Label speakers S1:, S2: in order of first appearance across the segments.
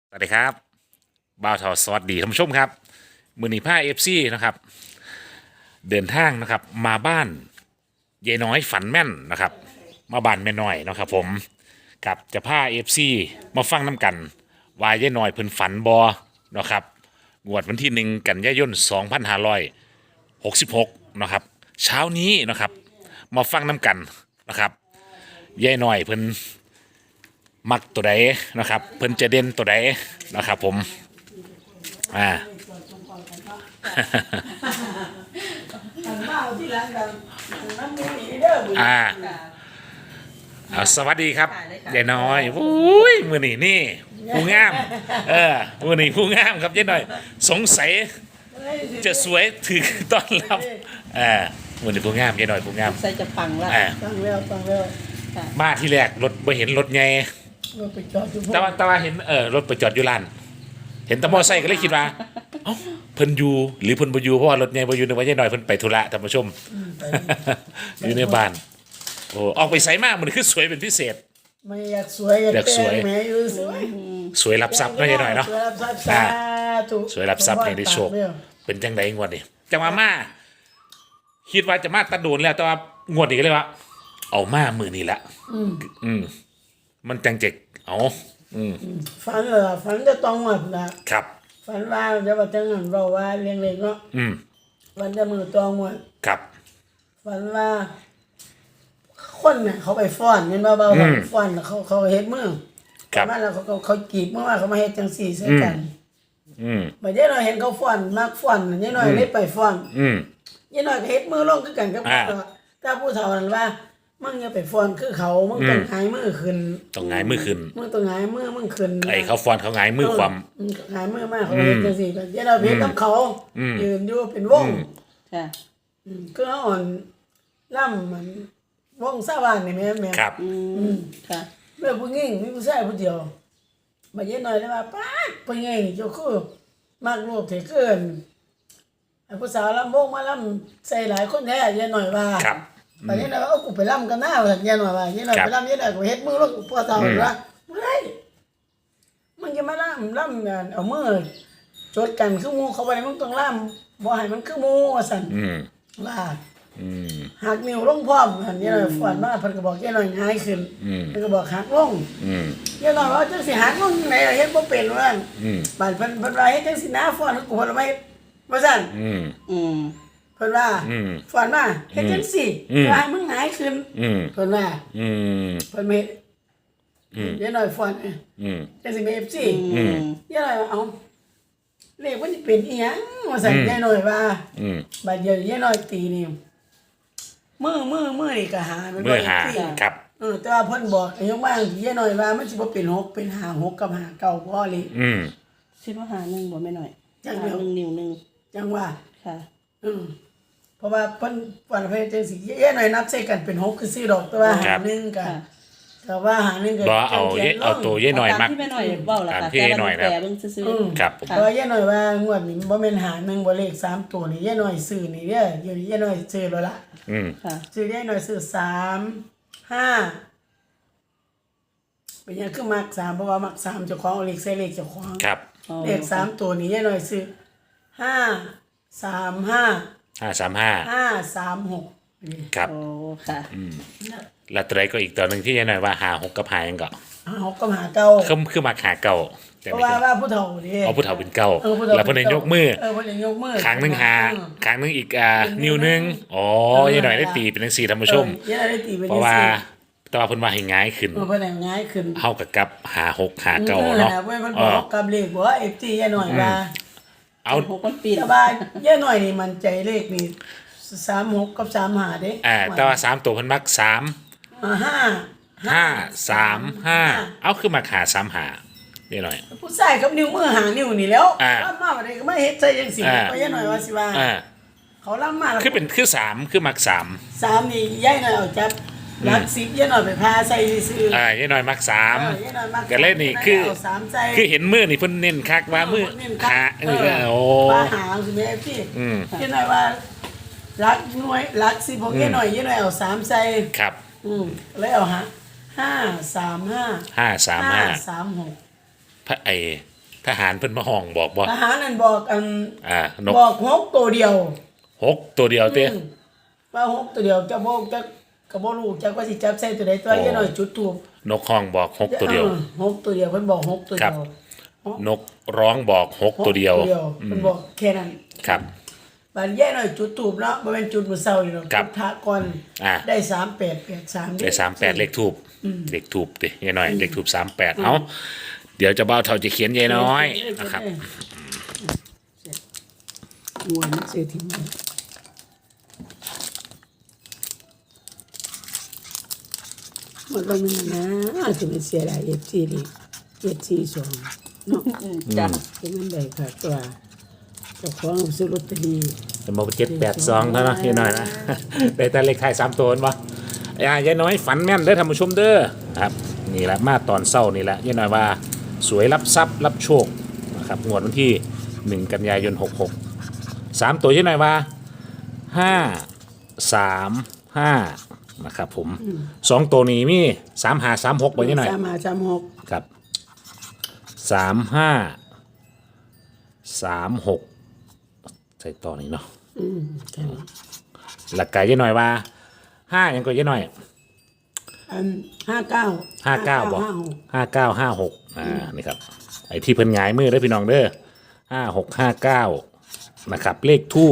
S1: สวัสดีครับบ่าวทอสวัสดีท่านผู้ชมครับมือนีผ้าFCนะครับเดินทางนะครับมาบ้านยายน้อยฝันแม่นนะครับมาบ้านแม่น้อยนะครับผมกับจะผ้าFCมาฟังน้ำกันว่ายายน้อยเพิ่นฝันบอนะครับงวดวันที่1 กันยายน2566นะครับเช้านี้นะครับมาฟังน้ำกันนะครับยายน้อยเพิ่นมักตัวใดนะครับเพิ่นจะเด่นตัวใดนะครับผมเอาสวัสดีครับยายน้อยอุ้ยมือนี่ผู้งามมือนี่ผู้งามครับยายน้อยสงสัยจะสวยถึงต้อนรับมือนี่ผู้งามยายน้อยผู้งาม
S2: ใส่จะปังละ
S3: ฟังแล้ว
S1: มาที่แรกรถไม่เห็นรถไง
S3: รถไปจอดอยู่
S1: แต่ว่าเห็นรถไปจอดอยู่ลานเห็นตะมอไซค์ก็เลยคิดว่าเอ้าเพิ่นอยู่หรือเพิ่นบ่อยู่เพราะว่ารถใหญ่บ่อยู่นึกว่ายายน้อยเพิ่นไปธุระท่านผู้ชมอยู่ในบ้านโอ้ออกไปไสมามันคือสวยเป็นพิเศษ
S3: ไม่อยากสวย
S1: อยากสวย
S3: แม่อยู่
S1: สวยรับทรัพย์เนาะยายน้อยเนาะ
S3: สวยรับทรัพย์สาธุ
S1: สวยรับทรัพย์ให้ได้โชคเป็นจังได๋งวดนี้จังว่ามาคิดว่าจะมาตะโดนแล้วแต่ว่างวดนี้ก็เลยว่าเอามามื้อนี้ละมันจังเจ็กเอา
S3: ฝันเหรอฝันจะต้องหมดนะครับฝันว่าจะว่าจังหันเราว่าเลี้ยงเล็กเนาะฝันจะมือตองหมด
S1: ครับ
S3: ฝันว่าคนเนี่ยเขาไปฟ้อนเงินเบาๆฟ้อนเขาเฮ็ดมือครับมาแล้วเขากีบเมื่อว่าเขามาเฮ็ดจังสี่ใส่กันบัดนี้เราเห็นเขาฟ้อนมากฟ้อนนี่น้อยเลยไปฟ้อนนี่น้อยก็เฮ็ดมือลงคือกันกับถ้าผู้เฒ่านั้นว่ามึงอย่าไปฟ้อนคือเขามึงต้องหงายมือขึ้น
S1: ต้องหงายมือขึ้น
S3: มึงต้องหงายมือมึงขึ้น
S1: ไอ้เขาฟ้อนเขาหงายมือความ
S3: หงายมือมากเขาเฮ็ดจังซี่บัดนี้เราเฮ็ดกับเขายืนอยู่เป็นวง
S2: ค่ะ
S3: ก็อ่อนล่ำมันวงสาบ้านนี่แม่
S1: ครับ
S3: ค่ะแม่ผู้หญิงมีผู้ชายผู้เดียวบัดนี้น้อยเลยว่าป๊าดผู้หญิงเจ้าคือมักรูปเถิดเกินไอ้ผู้สาวลำวงมาลำใส่หลายคนแท้ยายหน่อยว่า
S1: ครับ
S3: บัดนี้เราเอากูไปลำกันหน้าว่ายายหน่อยว่ายายหน่อยไปลำยายหน่อยกูเฮ็ดมือแล้วพ่อเฒ่าว่าบ่ได้มันจะมาลำเอามือจดกันคือหมู่เขาไว้มึงต้องลำบ่ให้มันคือหมู่ว่าซั่นว่าหักนิ้วลงพร้อมหั่นยายหน่อยฝันมาเพิ่นก็บอกยายหน่อยง่ายขึ้นเพิ่นก็บอกหักลงยายหน่อยว่าจังสิหักลงไหนเฮ็ดบ่เป็นว่าบัดเพิ่นว่าเฮ็ดจังสินะฟ้อนกูบ่ได้ว่าซั่นเพิ่นว่าฝันว่าเฮ็ดจังซี่ว่าให้มึงหงายขึ้นเพิ่นว่าเพิ่นเฮ็ดยายหน่อยฝันจังสิมี FC ยายหน่อยเอาเลขมันสิเป็นอีหยังว่าซั่นยายหน่อยว่าบัดเดี๋ยวยายหน่อยตีนี่มือนี่ก็หามันบ่ได้
S1: ครับ
S3: แต่ว่าเพิ่นบอกอายุบ้างยายหน่อยว่ามันสิบ่เป็น6เป็น5 6กับ5 9บ่เลย
S2: สิบ่หา1บ่แม่น้อย
S3: จังเดียว
S2: 1นิ้วนึง
S3: จังว่า
S2: ค่ะ
S3: เพราะว่าเพิ่นวันเพจังสิยายหน่อยนับใส่กันเป็น6คือ4ดอกแต่ว่าหา1ก็แต่ว่าหา1ก็
S1: บ่เอาตัวยายหน่อยมัก
S2: ที่แม่น้อยเว้าล่ะค่ะแต่ว่าแปลเบิ่งซื่อ
S1: ๆครับ
S3: เพราะยายหน่อยว่างวดนี้บ่แม่นหา1บ่เลข3ตัวนี่ยายหน่อยซื้อนี่เด้อยายหน่อยซื้อแล้วล่ะ
S2: ค่ะ
S3: ซื้อยายหน่อยซื้อ3 5เป็นหยังคือมัก3เพราะว่ามัก3เจ้าของเอาเลขใส่เลขเจ้าของ
S1: ครับ
S3: เลข3ตัวนี้ยายหน่อยซื้อ5 3 5 536
S1: ครับ
S2: โอ้ค่ะ
S1: แล้วตัวใดก็อีกตัวนึงที่ยายหน่อยว่าหา6กับหายังก็
S3: 6กับหา9
S1: คือมาหาเก่า
S3: เพราะว่าผู้เฒ่านี่
S1: เอาผู้เฒ่าเป็นเก่าแล้วเพิ่นยกมือ
S3: เพิ่นยกมือ
S1: ครั้งนึงหาครั้งนึงอีกนิ้วนึงอ๋อยายหน่อยได้ตีเป็นจังซี่ท่านผู้ชม
S3: ยายได้ตีเป็นจังซี่
S1: เพราะว่าแต่ว่าเพิ่นว่าให้ง่ายขึ้น
S3: เพิ่นให้ง่ายขึ้น
S1: เฮากับหา6หาเก่าเนาะ
S3: เพิ่นบอกกับเลขบ่ว่า FT ยายหน่อยว่า
S1: เอา
S2: 6มันปี
S3: แต่ว่ายายหน่อยนี่มันใจเลขนี่36กับ35เด้
S1: แต่ว่า3ตัวเพิ่นมัก5 เอาคือมาขา3 5นี่หน่อย
S3: ผู้ชายกับนิ้วมือหานิ้วนี่แล้วล่ำมาบ่ได้ก็มาเฮ็ดใส่จังซี่ก็ยายหน่อยว่าสิว่าเขาล่ำมา
S1: คือ3คือมัก
S3: 3นี่ยายหน่อยเอาจับหลัก10ยายหน่อยไปพาใส่ซื่
S1: อยายหน่อยมัก3ก็เลยนี่คือเห็นมือนี่เพิ่นเน้นคักว่ามือหาโอ้
S3: ว่าหาสิแม่พี่ยายหน่อยว่าหลักหน่วยหลัก10ของยายหน่อยเอา3ใส่
S1: ครับ
S3: แล้วเอา5 3 5
S1: 5 3 5
S3: 3 6
S1: พระทหารเพิ่นมาห้องบอกบ่
S3: ทหารนั่นบอก
S1: นก
S3: บอกหกตัวเดียว
S1: 6ตัวเดียวเต้
S3: ว่าหกตัวเดียวจะบอกจะกระบอกลูกจะว่าสิจับใส่ตัวใดตัวยี่หน่อยจุดทูบ
S1: นกห้องบอก6ตัวเดียว
S3: หกตัวเดียวเพิ่นบอกหกตัว
S1: ครั
S3: เดี
S1: บ
S3: ยวน
S1: กร้องบอก6ตัวเดียว
S3: เพิ่นบอกแค่นั้น
S1: ครับ
S3: บานแย่หน่อยจุดทูบเนาะบ่แม่นจุดมื้อเช้านี่เนาะ
S1: ครับ
S3: จุดพระก่อน ได้3883
S1: ได้38เลขทูบเลขทูบดิยายน้อยเลขทูบ38เอาเดี๋ยวเจะเบ้าเท่าจะเขียนยายน้อยนะครับ
S3: งวนเสียทีมันก็มันนะจะเป็นเสียดาย FC นี่742เนาะ
S2: จ้ะ
S3: เป็นมันได้ค่ะตัวเจ้าของซื้อลอตเตอรี่
S1: จะมา782เท่านั้นยายน้อยนะ ได้แต่เลขท้าย3ตัวบ่ยายน้อยฝันแม่นเด้อท่านผู้ชมเด้อครับนี่แหละมาตอนเช้านี่แหละยายน้อยว่าสวยรับทรัพย์รับโชคนะครับงวดวันที่1กันยายน66 3ตัวยายน้อยว่า535นะครับผม2ตัวนี้มี3536บ่ยายน้อย
S3: 3536
S1: ครับ3536ใส่ต่อนี้เนาะ
S3: ใช่
S1: หลักกายยายน้อยว่า5ยังก็ยายน้อย
S3: 59
S1: 59บอก5956นี่ครับไอ้ที่เพิ่นหงายมือเด้อพี่น้องเด้อ5659นะครับเลขทูบ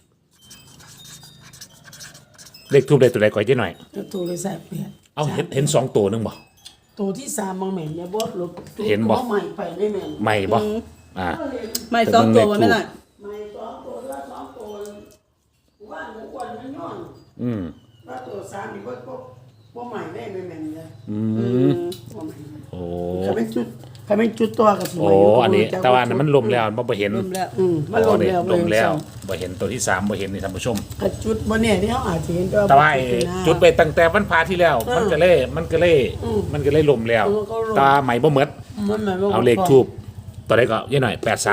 S1: ได้ตัวใดก่อนยายน้อย
S3: แล้วตัวเลยใส่เปลี่ยน
S1: เอาเห็น2ตัวนึงบ่
S3: ตัวที่3บางแม่นอย่าบ่ลบ
S1: เห็นบ่
S3: ใหม่ไปไม่แม่น
S1: ไม่บ่อ่า
S2: ไม่สองตัวบ่แม่นน่ะ
S3: ใหม่2ตัวละ2ตัวว่าหมูอ้วนมันย้อน
S1: อืม
S3: ว่าตัว3นี่บ่ใหม่ได้ไม่แม่นเลย บ่ใหม่
S1: โอ้
S3: ถ้าเป็นจุดตัวก็สิ
S1: โอ้อันนี้แต่ว่าอันนั้นมันลมแล้วบ่เห็น
S2: รวมแล้ว
S3: มันลงแล้ว
S1: ลมแล้วบ่เห็นตัวที่3บ่เห็นนี่ท่านผู้ชม
S3: กระจุดบ่เนี่ยที่เฮาอาจสิเห็น
S1: แต่ว่าไอ้จุดไปตั้งแต่วันพาที่แล้ว มันก็เลยลมแล้วตาใหม่บ่หมด
S3: มันหมายว่า
S1: เอาเลขทูบตัวใดก็ยายหน่อย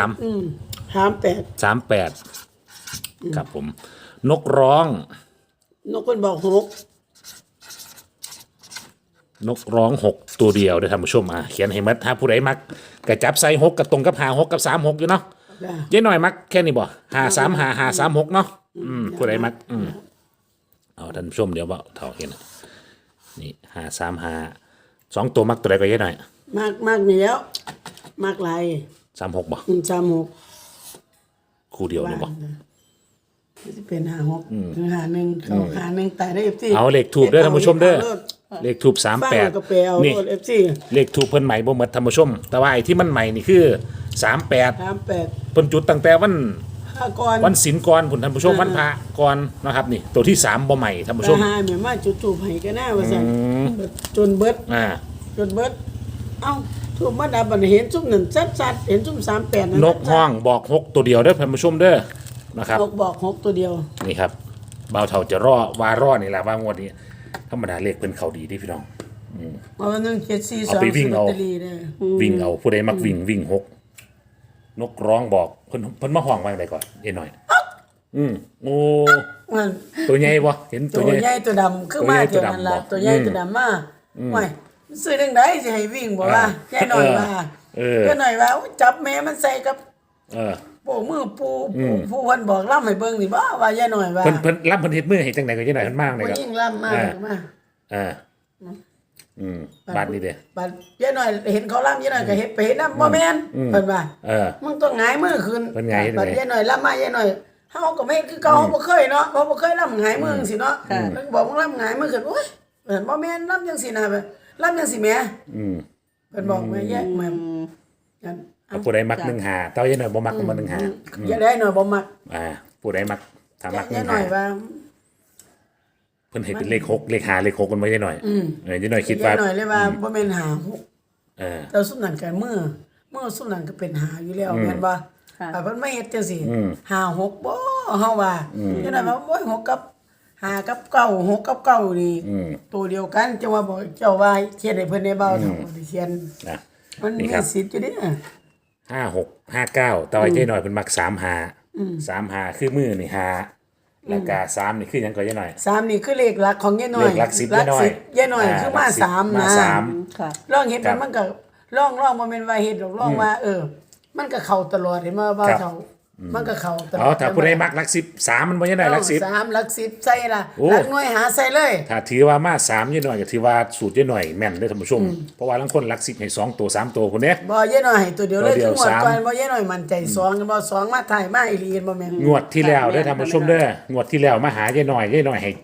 S3: 38
S1: 38ครับผม นกร้อง
S3: นกเพิ่นบอก
S1: นกร้อง6ตัวเดียวเด้อท่านผู้ชมเขียนให้หมดถ้าผู้ใดมักก็จับใส่6กับตรงกับ56กับ36อยู่เนาะ
S3: 6
S1: ยายหน่อยมักแค่นี้บ่535 เนาะผู้ใดมักเอาท่านผู้ชมเดี๋ยวบ่เท่าเห็นนี่535 2ตัวมักตัวใดก็ยายหน่อย
S3: มากนี่แล้วมากหลาย
S1: 36บ่
S3: 36
S1: คู่เดียวนี่บ่
S3: สิเป็น56 51เข้า51ตายได้ FC
S1: เอาเลขทูบเด้อท่านผู้ชมเด้อเลขทูบ
S3: ฟังแล้วก็ไปเอา
S1: 38นี่
S3: โลด FC
S1: เลขทูบเพิ่นใหม่บ่หมดท่านผู้ชม แต่ว่าไอ้ที่มันใหม่นี่คือ38
S3: 38
S1: เพิ่นจุดตั้งแต่วัน
S3: 5ก่อน
S1: วันศีลก่อนพุ่นท่านผู้ชมวันพระก่อนนะครับนี่ตัวที่3บ่ใหม่ท่านผู้ชม
S3: หาแม่มาจุดทูบให้กันหน้าว่าซั่นจนเบิด จนเบิดเอ้าทูบมาดับบัดเห็นซุ่มนั่นชัดๆเห็นซุ่ม38นั่น
S1: นกห้องบอก6ตัวเดียวเด้อท่านผู้ชมเด้อนะครับ
S3: นกบอก6ตัวเดียว
S1: นี่ครับบ่าวเฒ่าจะรอนี่ล่ะว่างวดนี้ธรรมดาเลขเพิ่นเข้าดีที่พี่น้อง
S3: เพราะว่านึง742
S1: เอาไปวิ่งเอา
S3: ลอตตอรี่เด้อ
S1: วิ่งเอาผู้ใดมักวิ่ง6นกร้องบอกเพิ่นมาห้องว่าจังไดก่อนเอ้หน่อยโอ้
S3: มัน
S1: ตัวใหญ่บ่เห็นตั
S3: ตัว ว
S1: ใหญ่
S3: ใหญ่ตัวดำคือมาเท่านั้นล่ะตัวใหญ่ตัวดำมาไม่ซื้อจังไดสิให้วิ่งบ่ว่าแค่หน่อยว่าแค่หน่อยว่าจับแม่มันใส่กับ โป้มือปูเพิ่นบอกล่ำให้เบิ่งนี่บ่ว่าย่าหน่อยว่า
S1: เพิ่นรับเพิ่นเฮ็ดมือให้จังได๋ก็จังได๋เพิ่นมากเลย
S3: บ่
S1: ครับ
S3: ยิ่งล่ำมากมา
S1: บาดนี้เด้
S3: บัดย่าหน่อยเห็นเขาล่ำย่าหน่อยก็เฮ็ดไปเฮ็ดนำบ่แม่นเพิ่นว่ามึงต้องหงายมือขึ้น
S1: เพิ่นหงายเฮ็ด
S3: บัด
S1: ได๋
S3: ย่าหน่อยล่ำมาย่าหน่อยเฮาก็ไม่คือเก่าเฮาบ่เคยเนาะเฮาบ่เคยล่ำหงายมือจังซี่เนาะเพิ่นบอกมึงล่ำหงายมือขึ้นโอ๊ยเพิ่นบ่แม่นล่ำจังซี่นะล่ำจังซี่แหมเพิ่นบอกแม่แย่แม่กัน
S1: ผู้ใดมัก15เต้ายัยหน่อยบ่มักบ่15
S3: อย่าได้หน่อยบ่มัก
S1: ผู้ใดมักถ้ามัก
S3: อย่าหน่อยว่า
S1: เพิ่นเฮ็ดเป็นเลข6เลข5เลข6กันไว้ยัยหน่อยยัยหน่อยคิดว่า
S3: อย่าหน่อยเลยว่าบ่แม่นหา6
S1: เออ
S3: แต่สุดนั่นก็มือสุดนั่นก็เป็นหาอยู่แล้วแม่นบ่เพิ่นมาเฮ็ดจังซี่หา6บ่เฮาว่าอย่าหน่อยว่าโอ้ย6กับ5กับ9 6กับ9นี่ตัวเดียวกันจังว่าบ่เจ้าว่าเขียนให้เพิ่นได้เบาเท่าเขียน
S1: นะ
S3: มันมีสิทธิ์อยู่เด้อ
S1: 56 59แต่ว่ายัยหน่อยเพิ่นมัก35คือมือนี่5แล้วก็3นี่คือหยังก็ยัยหน่อย
S3: 3นี่คือเลขหลักของยายน้อย
S1: เลขหลัก10ยายน้อย
S3: ยายน้อยคือมา3นะ
S2: ค่ะ
S3: ลองเฮ็ดมันก็ลองบ่แม่นว่าเฮ็ดหรอกลองว่ามันก็เข้าตลอดเห็นบ่บ่าวเฒ่ามันก็เข้าตลอด
S1: เอาถ้าผู้ใดมักหลัก10 3มันบ่ยังได้หลัก10
S3: 3หลัก10ใส่ล่ะ
S1: โอ้
S3: หลักหน่วยหาใส่เลย
S1: ถ้าถือว่ามา3ยายหน่อยก็ถือว่าสูตรยายหน่อยแม่นเด้อท่านผู้ชมเพราะว่าลางคนหลัก10ให้2ตัว3ตัวพุ่นเด้
S3: บ่เยอะหน่อยให้ตัวเดียวเลย
S1: ตัวเดียว
S3: คือหมด
S1: สาม
S3: ก่อนบ่เยอะหน่อยมั่นใจ2กันบ่2มาถ่ายมาอีหลีบ่แม่น
S1: งวดที่แล้วได้อท่านผู้ชมเด้องวดที่แล้วมาหายายหน่อยให้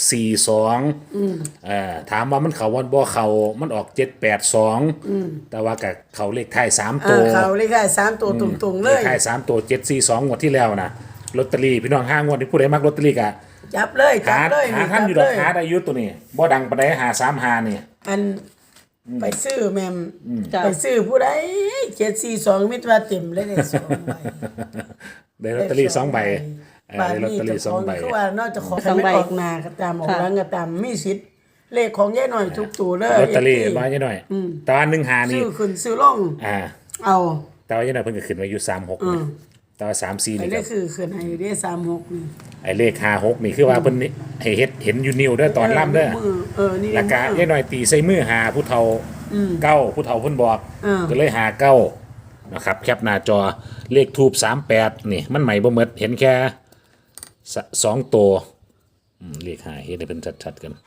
S1: 742ถามว่ามันเขาวันบ่เขามันออก782แต่ว่ากับเขาเลขท้าย3ตัว
S3: เขาเลยค่ะ3ตัวตรงๆเล
S1: เลย ขท้าย3ตัว742งวดที่แล้วนะลอตเตอรี่พี่น้อง5งวดที่ผู้ใดมักลอตเตอรี่ก็
S3: จับเลยจั
S1: หา
S3: บเลย
S1: หาท่านอยู่ดอกหาได้อยู่ตัวนี้บ่ดังปานใดหา35นี่
S3: อันไปซื้อแม่ม
S2: จ้ะ
S3: ไปซื้อผู้ใด742มิตรว่าเต็มเลยได้2ใบ
S1: ได้ลอตเตอรี่2ใบได้ลอต
S3: นี้
S1: เตอรี่
S3: เจ้าของ
S1: 2ใบ
S3: คือว่านอกจากของ
S2: สองใบ
S3: ออกหน้าก็ตามออกหลังก็ตามมีสิทธิ์เลขของยายหน่อยทุกตัวเลย
S1: ลอตเตอรี่มายายหน่อยแต่ว่า15นี่
S3: ซื้อขึ้นซื้อลง เอา
S1: แต่ว่ายายหน่อยเพิ่นก็ขึ้นมาอยู่36นะแต่ว่า34
S3: ไอ้
S1: นี่
S3: เล
S1: ก็
S3: ขคือขึ้นให้ได้36นี่
S1: ไอ้เลข56นี่คือว่าเพิ่นนี่ให้เฮ็ดเห็นอยู่นิ้วเด้อตอนล่ำเด้อ
S3: นี่
S1: แล้วก็ยายหน่อยตีใส่มือหาผู้เฒ่าเก้าผู้เฒ่าเพิ่นบอกก็เลยหาเก้านะครับแคปหน้าจอเลขทูบ38นี่มันใหม่บ่หมดเห็นแค่2ตัวเลขหาเฮ็ดให้เป็นชัดๆกัน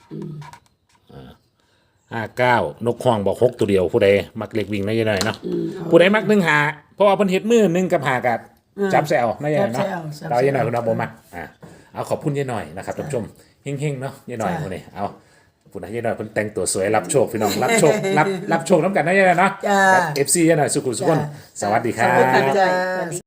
S1: 59นกฮ้องบอก6ตัวเดียวผู้ใดมักเลขวิ่งนะยายหน่อยเนาะผู้ใดมัก1หาเพราะว่าเพิ่นเฮ็ดมือ1กับหากับจับแซวนะยายหน่อยเนาะแต่ว่ายายหน่อยเพิ่นเอาบ่มักเอาขอบคุณยายหน่อยนะครับท่านผู้ชมเฮงๆเนาะยายหน่อยมื้อนี้เอาผู้ใดยายหน่อยเพิ่นแต่งตัวสวยรับโชคพี่น้องรับโชครับโชคนำกันนะยายหน่อยเนาะ
S3: จ้า
S1: กับ FC ยายหน่อยสุขุมสุขคนสวัสดีครั
S3: สวัสดี
S1: บ
S3: จ้า